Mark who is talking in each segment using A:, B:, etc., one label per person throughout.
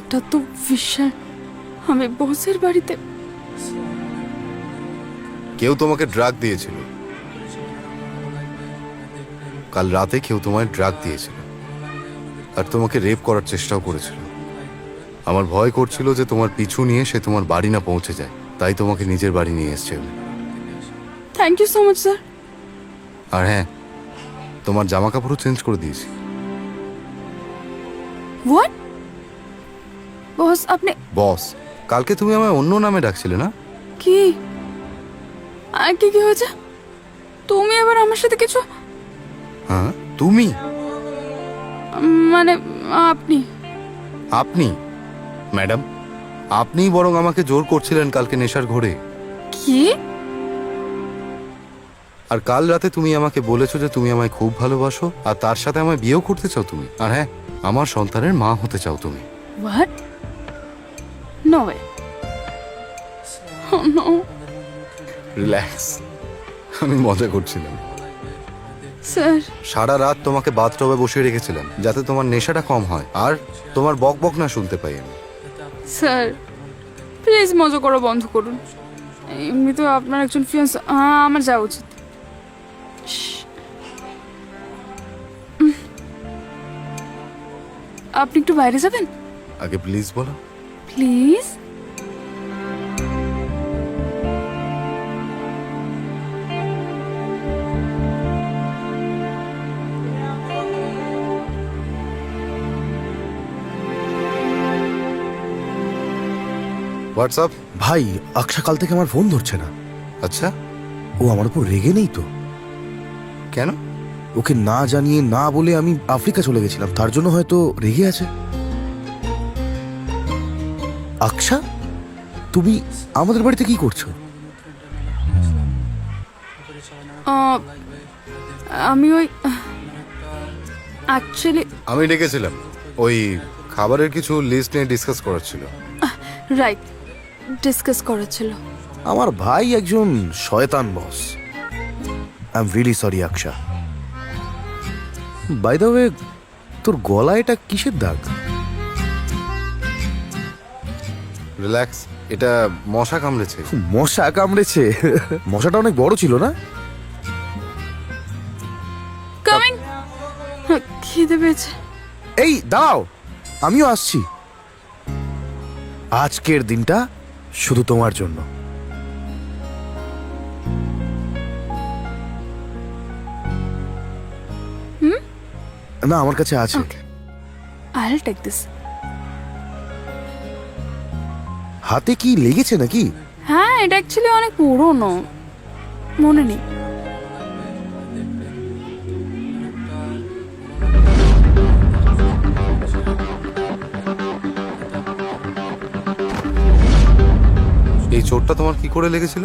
A: এটা তো বিশাল। আমি বসের বাড়িতে।
B: কেউ তোমাকে ড্রাগ দিয়েছিল। কাল রাতে কেউ তোমায় ড্রাগ দিয়েছিল আর তোমাকে রেপ করার চেষ্টাও করেছিল। আমার ভয় করছিল যে তোমার পিছু নিয়ে সে তোমার বাড়ি না পৌঁছে যায়, তাই তোমাকে নিজের বাড়ি নিয়ে এসছে আমি।
A: Thank you so much sir.
B: আর হ্যাঁ, তোমার জামা কাপড়ও চেঞ্জ করে দিয়েছি।
A: হোয়াট? বস আপনি
B: বস, কালকে তুমি আমায় অন্য নামে ডাকছিলে না?
A: কি? আর কি কি হয়েছে? তুমি এবার আমার সাথে কিছু?
B: হ্যাঁ, তুমি?
A: মানে আপনি?
B: আপনি ম্যাডাম, আপনিই বরং আমাকে জোর করছিলেন কালকে নেশার ঘোরে।
A: কি?
B: আর কাল রাতে তুমি আমাকে বলেছো যে তুমি আমায় খুব ভালোবাসো আর তার সাথে আমায় বিয়েও করতে চাও তুমি। আর হ্যাঁ, আমার সন্তানের মা হতে চাও তুমি।
A: What? No way. No.
B: Relax, আমি মজা করছিলাম।
A: স্যার
B: সারা রাত তোমাকে বাথটবে বসিয়ে রেখেছিলাম যাতে তোমার নেশাটা কম হয় আর তোমার বক বক না শুনতে পাই আমি।
A: স্যার প্লিজ মজা করা বন্ধ করুন। এমনিতেও আপনার একজন ফিয়ান্স, আমার যাওয়া উচিত। আপনি একটু বাইরে যাবেন
B: আগে প্লিজ বলো।
A: প্লিজ?
B: হোয়াটসঅ্যাপ?
C: ভাই, আকশা কাল থেকে আমার ফোন ধরছে না।
B: আচ্ছা,
C: ও আমার উপর রেগে নেই তো?
B: কেন?
C: ওকে না জানিয়ে না বলে আমি আফ্রিকা চলে গেছিলাম, তার জন্য হয়তো রেগে আছে। আকশা, তুমি আমাদের বাড়িতে কি করছো?
A: আমি ওই অ্যাকচুয়ালি
B: আমি ডেকেছিলাম ওই খাবারের কিছু লিস্ট নিয়ে ডিসকাস করার ছিল।
A: রাইট, ডিসকাস করা ছিল।
C: আমার ভাই একজন শয়তান boss. I am really sorry Aksha. By the way, তোর গলায় এটা কিসের দাগ?
B: রিল্যাক্স, এটা মশা কামড়েছে।
C: মশা কামড়েছে? মশাটা অনেক বড় ছিল না?
A: কামিং। খিদে পেয়েছে।
C: এই দাঁড়াও, আমিও আসছি। আজকের দিনটা শুধু তোমার জন্য। না, আমার কাছে আছে।
A: I'll take this.
C: হাতে কি লেগেছে নাকি?
A: হ্যাঁ, এটা অ্যাকচুয়ালি অনেক পুরনো, মনে নেই।
B: এই চোটটা তোমার কি করে লেগেছিল?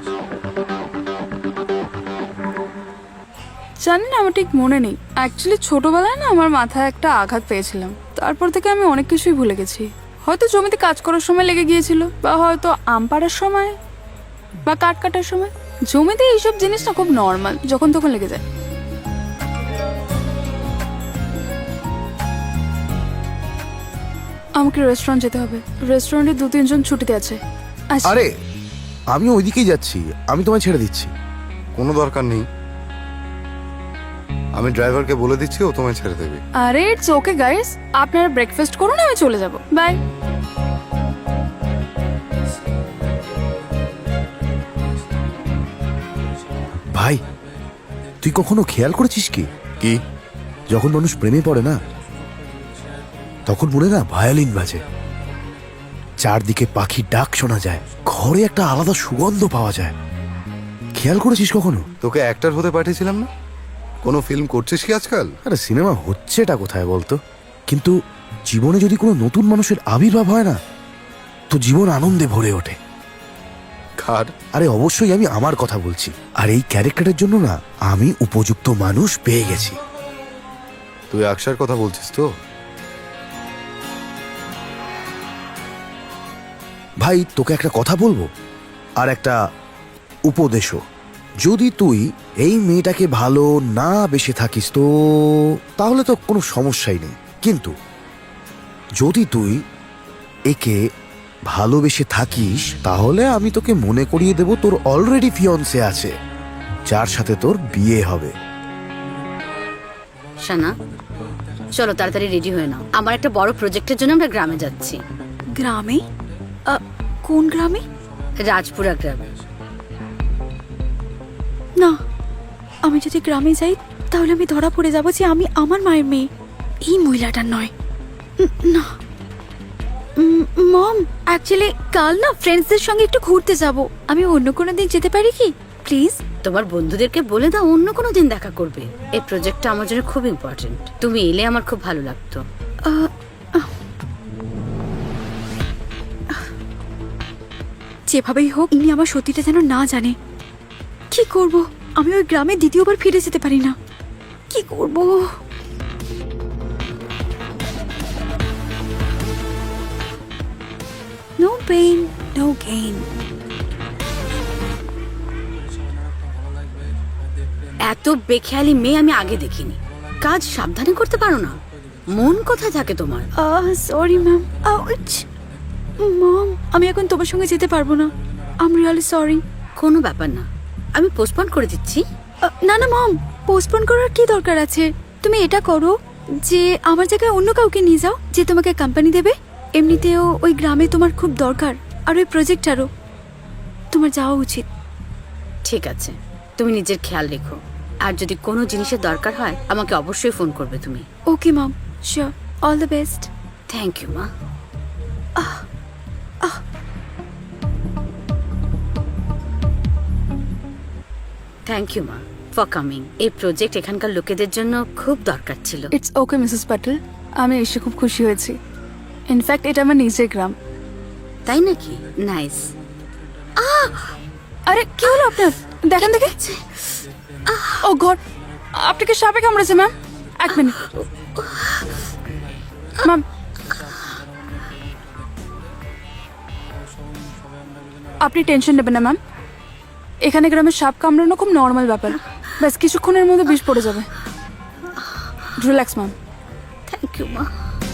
A: জানি না, আমার ঠিক মনে নেই। অ্যাকচুয়ালি ছোটবেলায় না আমার মাথায় একটা আঘাত পেয়েছিলাম, তারপর থেকে আমি অনেক কিছুই ভুলে গেছি। হয়তো জমিতে কাজ করার সময় লেগে গিয়েছিল, বা হয়তো আম পাড়ার সময়, বা কাঠ কাটার সময়। জমিতে এইসব জিনিস না খুব নর্মাল, যখন তখন লেগে যায়। আমাকে রেস্টুরেন্ট যেতে হবে। রেস্টুরেন্টে 2-3 জন ছুটিতে আছে। আচ্ছা।
C: আরে, আমিও ওইদিকেই যাচ্ছি, আমি তোমায় ছেড়ে দিচ্ছি।
B: কোনো দরকার নেই, আমি ড্রাইভারকে বলে দিচ্ছি, ও তোমায় ছেড়ে দেবে।
A: আরে ইটস ওকে গাইস, আপনারা ব্রেকফাস্ট করুন, আমি চলে যাব। বাই।
C: ভাই, তুই কখনো খেয়াল করেছিস কি
B: কি?
C: যখন মানুষ প্রেমে পড়ে না, তখন মনে না ভায়োলিন বাজে, চারদিকে পাখির ডাক শোনা যায়, ঘরে একটা আলাদা সুগন্ধ পাওয়া যায়। খেয়াল করেছিস কখনো?
B: তোকে অ্যাক্টর হতে পাঠিয়েছিলাম না? কোনো ফিল্ম করছিস কি আজকাল?
C: আরে সিনেমা হচ্ছেটা কোথায় বলতো? কিন্তু জীবনে যদি কোনো নতুন মানুষের আবির্ভাব হয় না, তো জীবন আনন্দে ভরে ওঠে।
B: কার?
C: আরে অবশ্যই আমি আমার কথা বলছি। আর এই ক্যারেক্টারের জন্য না আমি উপযুক্ত মানুষ পেয়ে গেছি।
B: তুই আকশার কথা বলছিস তো?
C: ভাই, তোকে একটা কথা বলবো, আর একটা উপদেশও। যদি তুই এই মেয়েটাকে ভালো না বেসে থাকিস তো তাহলে তো কোনো সমস্যাই নেই। কিন্তু যদি তুই একে ভালোবেসে থাকিস, তাহলে আমি তোকে মনে করিয়ে দেব তোর অলরেডি ফিয়ন্সে আছে, যার সাথে তোর বিয়ে হবে।
D: শানা, চলো তাড়াতাড়ি রেডি হয়ে নাও, আমার একটা বড় প্রজেক্টের জন্য আমরা গ্রামে যাচ্ছি।
A: গ্রামে? কোন গ্রামে?
D: রাজপুরা গ্রামে।
A: না, আমি যদি গ্রামে যাই তাহলে আমি ধরা পড়ে যাব যে আমি আমার মায়ের মেয়ে, এই মহিলাটার নয়। না মম, অ্যাকচুয়ালি কাল না ফ্রেন্ডসদের সঙ্গে একটু ঘুরতে যাব, আমি অন্য কোনো দিন যেতে পারি কি প্লিজ?
D: তোমার বন্ধুদেরকে বলে দাও অন্য কোনো দিন দেখা করবে, এই প্রজেক্টটা আমার জন্য খুব ইম্পর্টেন্ট, তুমি এলে আমার খুব ভালো লাগতো।
A: যেভাবেই হোক ইনি আমার সত্যিটা যেন না জানে। কি করব? আমি ওই গ্রামে দ্বিতীয়বার ফিরে যেতে পারি না, কি করব? No pain no gain.
D: এত বেখেয়ালি মেয়ে আমি আগে দেখিনি। কাজ সাবধানে করতে পারো না? মন কোথায় থাকে তোমার?
A: Sorry ma'am. মম, আমি এখন তোমার সঙ্গে যেতে পারবো না, আই এম রিয়েলি সরি।
D: কোনো ব্যাপার না, আমি পোস্টপোন করে দিচ্ছি।
A: না না মম, পোস্টপোন করার কি দরকার আছে? তুমি এটা করো যে আমার জায়গায় অন্য কাউকে নিয়ে যাও যে তোমাকে কোম্পানি দেবে। এমনিতেও ওই গ্রামে তোমার খুব দরকার, আর ওই প্রজেক্টটারও। তোমার যাওয়া উচিত।
D: ঠিক আছে, তুমি নিজের খেয়াল রেখো, আর যদি কোনো জিনিসের দরকার হয় আমাকে অবশ্যই ফোন করবে তুমি।
A: Okay mom, sure, all the best.
D: Thank you মা। থ্যাংক ইউ মা ফর কামিং। এই প্রজেক্ট এখানকার লোকেদের জন্য খুব দরকার ছিল।
A: ইটস ওকে মিসেস প্যাটেল, আমি এসে খুব খুশি হয়েছি। ইনফ্যাক্ট এটা আমার নিজের গ্রাম।
D: তাই নাকি? নাইস।
A: আরে কি হলো আপনার? দেখেন দেখে। ও গড, আপনাকে সাপে কামড়েছে ম্যাম। এক মিনিট ম্যাম। আপনি টেনশন নেবেন না ম্যাম, এখানে গ্রামে সাপ কামড়ানো খুব নর্মাল ব্যাপার, ব্যাস কিছুক্ষণের মধ্যে বিষ পড়ে যাবে। Relax ma'am.
D: থ্যাংক ইউ মা।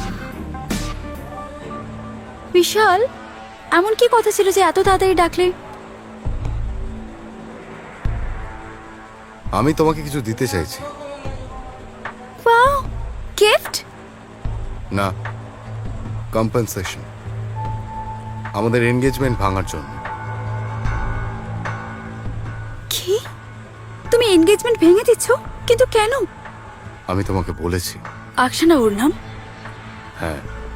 A: বিশাল, এমন কি কথা ছিল যে এত তাড়াতাড়ি ডাকলে?
B: আমি তোমাকে কিছু দিতে চাইছি।
A: Wow, gift?
B: না, কম্পেনসেশন, আমাদের এনগেজমেন্ট ভাঙার জন্য।
A: কি? তুমি এনগেজমেন্ট ভেঙে দিচ্ছ? কিন্তু কেন?
B: আমি তোমাকে বলেছি।
A: আকশানা ওর নাম?
B: হ্যাঁ।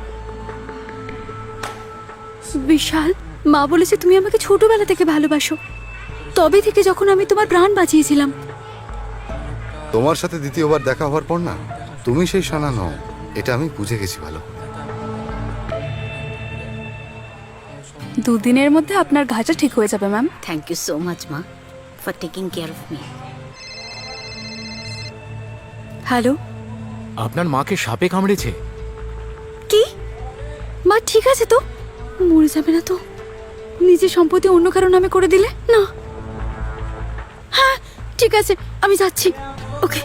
A: বিশাল, মা বলেছে তুমি আমাকে ছোটবেলা থেকে ভালোবাসো, তবে থেকে যখন আমি তোমার প্রাণ বাঁচিয়েছিলাম।
B: তোমার সাথে দ্বিতীয়বার দেখা হওয়ার পর না, তুমি সেই শানা নও, এটা আমি বুঝে গেছি ভালো।
A: দুদিনের মধ্যে আপনার ঘাটা ঠিক হয়ে যাবে ma'am.
D: Thank you so much মা for taking care of me.
A: Hello,
E: আপনার মাকে সাপে কামড়েছে?
A: কি? মা ঠিক আছে তো? মরে যাবে না তো? নিজের সম্পত্তি অন্য কারো নামে করে দিলে না? হ্যাঁ ঠিক আছে, আমি যাচ্ছি। ওকে।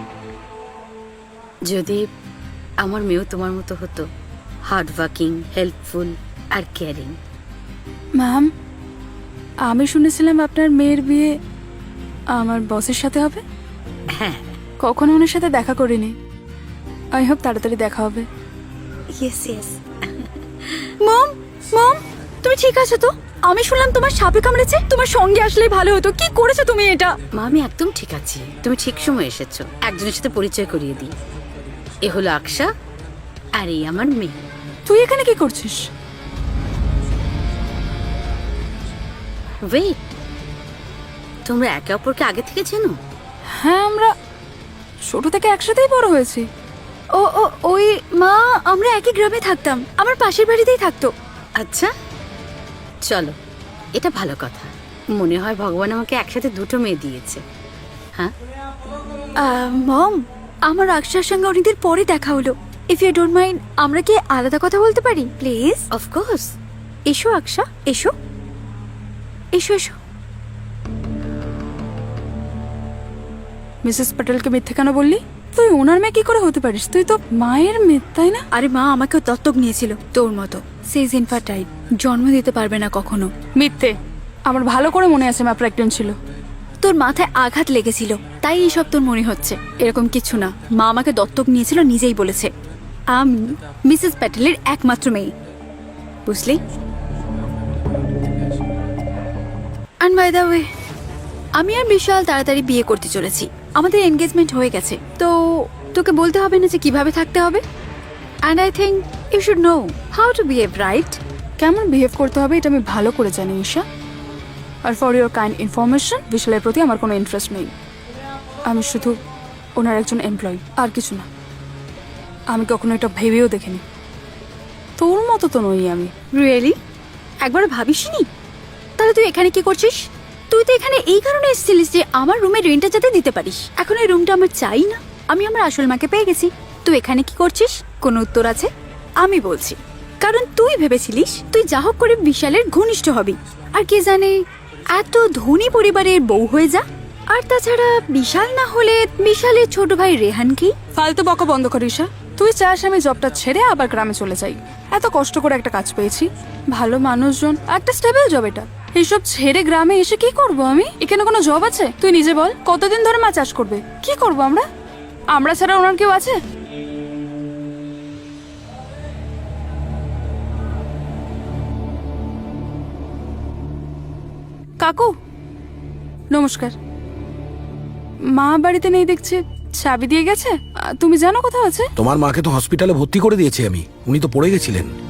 D: যদি আমার মেয়েও তোমার মতো হতো, হার্ড ওয়ার্কিং, হেল্পফুল আর কেয়ারিং।
A: ম্যাম, আমি শুনেছিলাম আপনার মেয়ের বিয়ে আমার বসের সাথে হবে।
D: হ্যাঁ,
A: কখনো ওনার সাথে দেখা করিনি, আই হোপ তাড়াতাড়ি দেখা হবে।
D: Yes yes.
A: মম, মম, তুমি ঠিক আছো তো? আমি শুনলাম তোমার সাপে কামড়েছে, তোমার সঙ্গে আসলেই ভালো হতো। কি করেছো তুমি এটা?
D: মা আমি একদম ঠিক আছি, তুমি ঠিক সময় এসেছো। একজনের সাথে পরিচয় করিয়ে দিই, এ হলো আকশা আর এই আমার মেয়ে।
A: তুই এখানে কি করছিস?
D: ওয়েট, তোমরা একে অপরকে আগে থেকে চেনো?
A: হ্যাঁ, আমরা ছোট থেকে একসাথেই বড় হয়েছি। ও ও ওই মা, আমরা একই গ্রামে থাকতাম, আমার পাশের বাড়িতেই থাকতো।
D: আচ্ছা চলো, এটা ভালো কথা। মনে হয় ভগবান আমাকে একসাথে দুটো মেয়ে দিয়েছে। হ্যাঁ
A: মম, আমার আকশার সঙ্গে অনেকদিন পরে দেখা হলো। ইফ ইউ ডোন্ট মাইন্ড, আমরা কি আলাদা কথা বলতে পারি প্লিজ?
D: অফকোর্স।
A: এসো আকশা, এসো এসো এসো। মিসেস প্যাটেলকে মিথ্যে কেন বললি? তুই ওনার মেয়ে কি করে হতে পারিস? তুই তো মায়ের মেয়ে, তাই না?
F: আরে মা আমাকেও দত্তক নিয়েছিল তোর মতো। সেজ ইনফার্টাইল, জন্ম দিতে পারবে না কখনো।
A: মিথ্যে। আমার ভালো করে মনে আছে মা প্রেগনেন্ট ছিল।
F: তোর মাথায় আঘাত লেগেছিল, তাই এইসব তোর মনে হচ্ছে। এরকম কিছু না, মা আমাকে দত্তক নিয়েছিল, নিজেই বলেছে। আমি মিসেস প্যাটেলের একমাত্র মেয়ে, বুঝলি? অ্যান্ড বাই দ্য ওয়ে, আমি আর বিশাল তাড়াতাড়ি বিয়ে করতে চলেছি। আমাদের এনগেজমেন্ট হয়ে গেছে, তো তোকে বলতে হবে না যে কিভাবে থাকতে হবে। And I think you should know how to behave, right?
A: কেমন বিহেভ করতে হবে এটা আমি ভালো করে জানি ঈশা। আর ফর ইউর কাইন্ড ইনফরমেশন, বিশালের প্রতি আমার কোনো ইন্টারেস্ট নেই। আমি শুধু ওনার একজন এমপ্লয়ি, আর কিছু না। আমি কখনো এটা ভেবেও দেখিনি। তোর মতো তো নই আমি।
F: রিয়েলি? একবার ভাবিসনি? তাহলে তুই এখানে কি করছিস? তুই তো এখানে এই কারণে এসেছিলিস যে আমার রুমের রেন্টটা যাতে দিতে পারিস। এখন এই রুমটা আমার চাই না, আমি আমার আসল মাকে পেয়ে গেছি। তুই এখানে কি করছিস? কোনো উত্তর আছে? আমি বলছি, কারণ তুই ভেবেছিলিস তুই যা হোক করে বিশালের ঘনিষ্ঠ হবি, আর কে জানে এত ধনী পরিবারের বউ হয়ে যা। আর তাছাড়া বিশাল না হলে বিশালের ছোট ভাই রেহান কি?
A: ফালতু বকা বন্ধ কর ঈশা। তুই চাস আমি জবটা ছেড়ে আবার গ্রামে চলে যাই? এত কষ্ট করে একটা কাজ পেয়েছি, ভালো মানুষজন, একটা স্টেবল জব। এটা এইসব ছেড়ে গ্রামে এসে কি করব আমি? এখানে কোনো জব আছে? তুই নিজে বল, কতদিন ধরে মা চাষ করবে? কি করব আমরা? আমরা ছাড়া ওনার কেউ আছে? কাকু নমস্কার। মা বাড়িতে নেই দেখছে, চাবি দিয়ে গেছে। তুমি জানো কোথাও আছে?
C: তোমার মাকে তো হসপিটালে ভর্তি করে দিয়েছি আমি, উনি তো পড়ে গেছিলেন।